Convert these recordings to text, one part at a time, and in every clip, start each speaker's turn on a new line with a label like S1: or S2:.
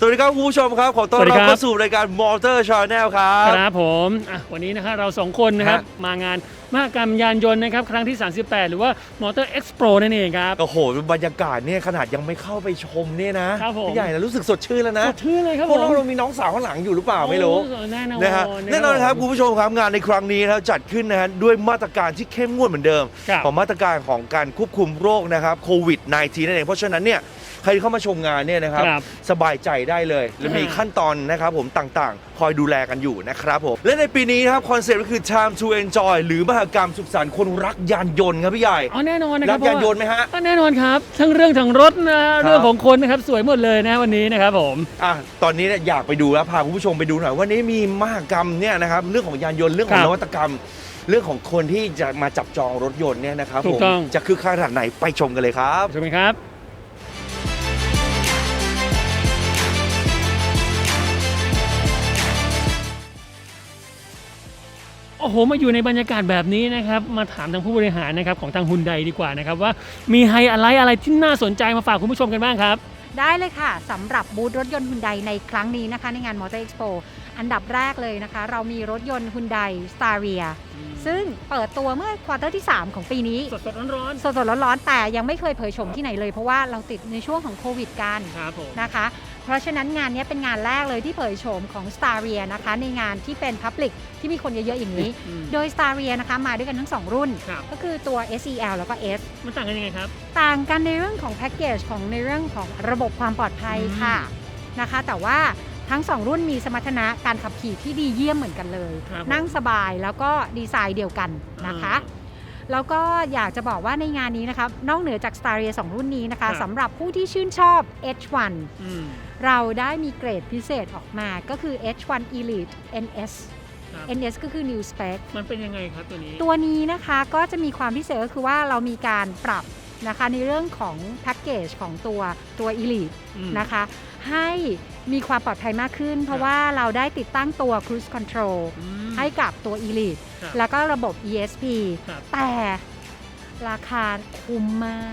S1: สวัสดีครับคุณผู้ชมครับขอต้อนรับเข้าสู่รายการ Motor Channel ครับ
S2: ครับผมวันนี้นะครับเรา2คนนะครับมางานมหกรรมยานยนต์นะครับครั้งที่38หรือว่า Motor Expo นั่นเองครับ
S1: โอ้โหบรรยากาศเนี่ยขนาดยังไม่เข้าไปชมเนี่ยนะ
S2: พี่
S1: ใหญ่แล้วรู้สึกสดชื่นแล้วนะ
S2: สดชื่นเลยครับ
S1: พวกเรามีน้องสาวข้างหลังอยู่หรือเปล่าไม่รู้
S2: แน่นอน
S1: นะครับแน่นอนครับคุณผู้ชมครับงานในครั้งนี้นะครับจัดขึ้นนะฮะด้วยมาตรการที่เข้มงวดเหมือนเดิมของมาตรการของการควบคุมโรคนะครับโควิด -19 นั่นเองเพราะฉะนั้นเนี่ยใครเข้ามาชมงานเนี่ยนะครับสบายใจได้เลยและมีขั้นตอนนะครับผมต่างๆคอยดูแลกันอยู่นะครับผมและในปีนี้ครับคอนเซ็ปต์ก็คือ Time to Enjoy หรือมหกรรมสุขสันต์คนรักยานยนต์ครับพี่ใหญ่
S2: แน่นอนนะครับ
S1: รักยานยนต์ไหมฮะ
S2: แน่นอนครับทั้งเรื่องทั้งรถนะเรื่องของคนนะครับสวยหมดเลยนะวันนี้นะครับผม
S1: ตอนนี้เนี่ยอยากไปดูแล้วพาคุณผู้ชมไปดูหน่อยวันนี้มีมหกรรมเนี่ยนะครับเรื่องของยานยนต์เรื่องของนวัตกรรมเรื่องของคนที่จะมาจับจองรถยนต์เนี่ยนะครับผมจะคึกคักขนาดไหนไปชมกันเลยครับ
S2: ชมกันครับโอ้โหมาอยู่ในบรรยากาศแบบนี้นะครับมาถามทางผู้บริหารนะครับของทางฮุนไดดีกว่านะครับว่ามีไฮไลท์อะไรที่น่าสนใจมาฝากคุณผู้ชมกันบ้างครับ
S3: ได้เลยค่ะสำหรับบูธรถยนต์ฮุนไดในครั้งนี้นะคะในงาน Motor Expo อันดับแรกเลยนะคะเรามีรถยนต์ฮุนได Staria ซึ่งเปิดตัวเมื่อควอเตอร์ที่3ของปีนี้
S2: สดร้อน
S3: ร้อนแต่ยังไม่เคยเผยโฉมที่ไหนเลยเพราะว่าเราติดในช่วงของโควิดกันนะคะเพราะฉะนั้นงานนี้เป็นงานแรกเลยที่เผยโฉมของ Staria นะคะในงานที่เป็น Public ที่มีคนเยอะๆอย่างนี้โดย Staria นะคะมาด้วยกันทั้ง2รุ่นก็คือตัว SEL แล้วก็ S
S2: มันต่างกันยังไงครับ
S3: ต่างกันในเรื่องของแพ็กเกจของในเรื่องของระบบความปลอดภัยค่ะนะคะแต่ว่าทั้ง2รุ่นมีสมรรถนะการขับขี่ที่ดีเยี่ยมเหมือนกันเลยนั่งสบายแล้วก็ดีไซน์เดียวกันนะคะแล้วก็อยากจะบอกว่าในงานนี้นะคะนอกเหนือจาก Staria 2 รุ่นนี้นะคะสำหรับผู้ที่ชื่นชอบ H1 เราได้มีเกรดพิเศษออกมาก็คือ H1 Elite NS ก็คือ New Spec
S2: มันเป็นยังไงครับตัว
S3: นี้นะคะก็จะมีความพิเศษก็คือว่าเรามีการปรับนะคะในเรื่องของแพ็กเกจของตัว Elite นะคะให้มีความปลอดภัยมากขึ้นเพราะว่าเราได้ติดตั้งตัว Cruise Control ให้กับตัว Elite แล้วก็ระบบ ESP แต่ราคาคุ้มมาก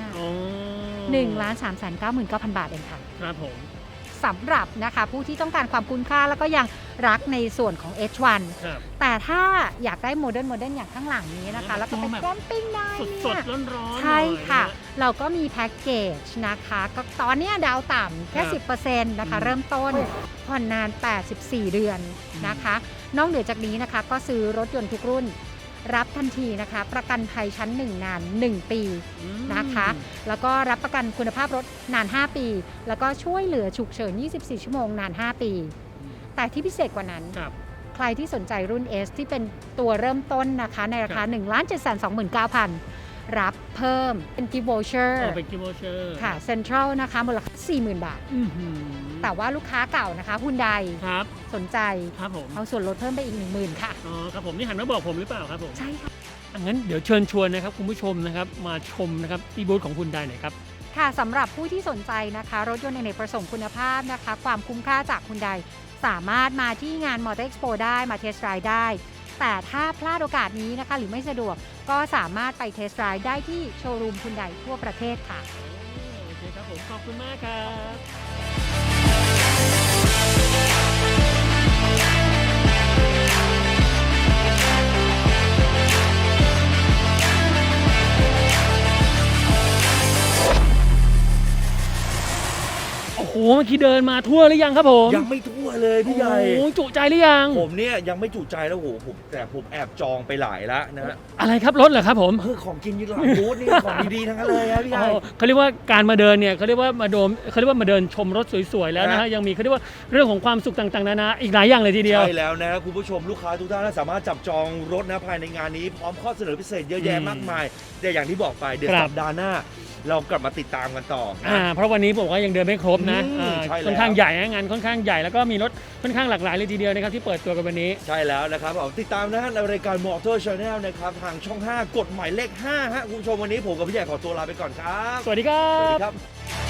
S3: 1,399,000 บาทเองค่ะ
S2: ครับผม
S3: สำหรับนะคะผู้ที่ต้องการความคุ้มค่าแล้วก็ยังรักในส่วนของ H1 แต่ถ้าอยากได้โมเดิร์นอย่างข้างหลังนี้นะคะแล้วก็เป็นแคมปิ้งได้
S2: สดร้อน
S3: ใช่ค่ะเราก็มีแพ็กเกจนะคะก็ตอนนี้ดาวต่ำแค่ 10% นะคะเริ่มต้นผ่อนนาน84 เดือนนะคะนอกเหนือจากนี้นะคะก็ซื้อรถยนต์ทุกรุ่นรับทันทีนะคะประกันภัยชั้น1นาน1ปีนะคะแล้วก็รับประกันคุณภาพรถนาน5ปีแล้วก็ช่วยเหลือฉุกเฉิน24ชั่วโมงนาน5ปีแต่ที่พิเศษกว่านั้นใครที่สนใจรุ่น S ที่เป็นตัวเริ่มต้นนะคะในราคา 1,729,000 รับเพิ่มเป็นกิฟต์วอเชอร์ค่ะเซ็นทรัลนะคะมูลค่า 40,000 บาทแต่ว่าลูกค้าเก่านะคะฮุนไดสนใจเอาส่วนลดเพิ่มไปอีก 10,000 ค่ะ
S2: อ๋อครับผมนี่หันมาบอกผมหรือเปล่าครับผม
S3: ใช่ค่ะ
S2: งั้นเดี๋ยวเชิญชวนนะครับคุณผู้ชมนะครับมาชมนะครับที่บูธของฮุนไดหน่อยครับ
S3: ค่ะสำหรับผู้ที่สนใจนะคะรถยนต์อเนกประสงค์คุณภาพนะคะความคุ้มค่าจากฮุนไดสามารถมาที่งาน Motor Expo ได้มาเทสต์ไรด์ได้แต่ถ้าพลาดโอกาสนี้นะคะหรือไม่สะดวกก็สามารถไปเทสต์ไรด์ได้ที่โชว์รูมฮุนไดทั่วประเทศค่ะ
S2: โอเคครับผมขอบคุณมากครับโอ้โหเมื่อกี้เดินมาทั่วหรือยังครับผม
S1: ยังไม่ทั่วเลยพี่ใหญ่
S2: โอ้จุใจหรือยัง
S1: ผมเนี่ยยังไม่จุใจแล้วโหผมแอบจองไปหลายแล้วนะฮะ
S2: อะไรครับรถเหรอครับผม
S1: ของกินอยู่หลังบูธนี่ของดีๆทั้งนั้นเลยครับพี่ใหญ่
S2: เขาเรียกว่าการมาเดินเนี่ยเขาเรียกว่ามาเดินชมรถสวยๆแล้วนะฮะยังมีเขาเรียกว่าเรื่องของความสุขต่างๆนานาอีกหลายอย่างเลยทีเดียว
S1: ใช่แล้วนะครับคุณผู้ชมลูกค้าทุกท่านสามารถจับจองรถนะภายในงานนี้พร้อมข้อเสนอพิเศษเยอะแยะมากมายแต่อย่างที่บอกไปเดี๋ยวสัปดาห์หน้าเรากลับมาติดตามกันต่อ
S2: เพราะวันนี้ผมว่ายังเดินไม่ครบนะค่อนข้างใหญ่งานค่อนข้างใหญ่แล้วก็มีรถค่อนข้างหลากหลายเลยทีเดียวนะครับที่เปิดตัวกันวันนี้
S1: ใช่แล้วนะครับติดตามนะฮะในรายการ Motor Channel นะครับทางช่อง5กดหมายเลข5ฮะคุณผู้ชมวันนี้ผมกับพี่ใหญ่ขอตัวลาไปก่อนครับ
S2: สวัสดีครับ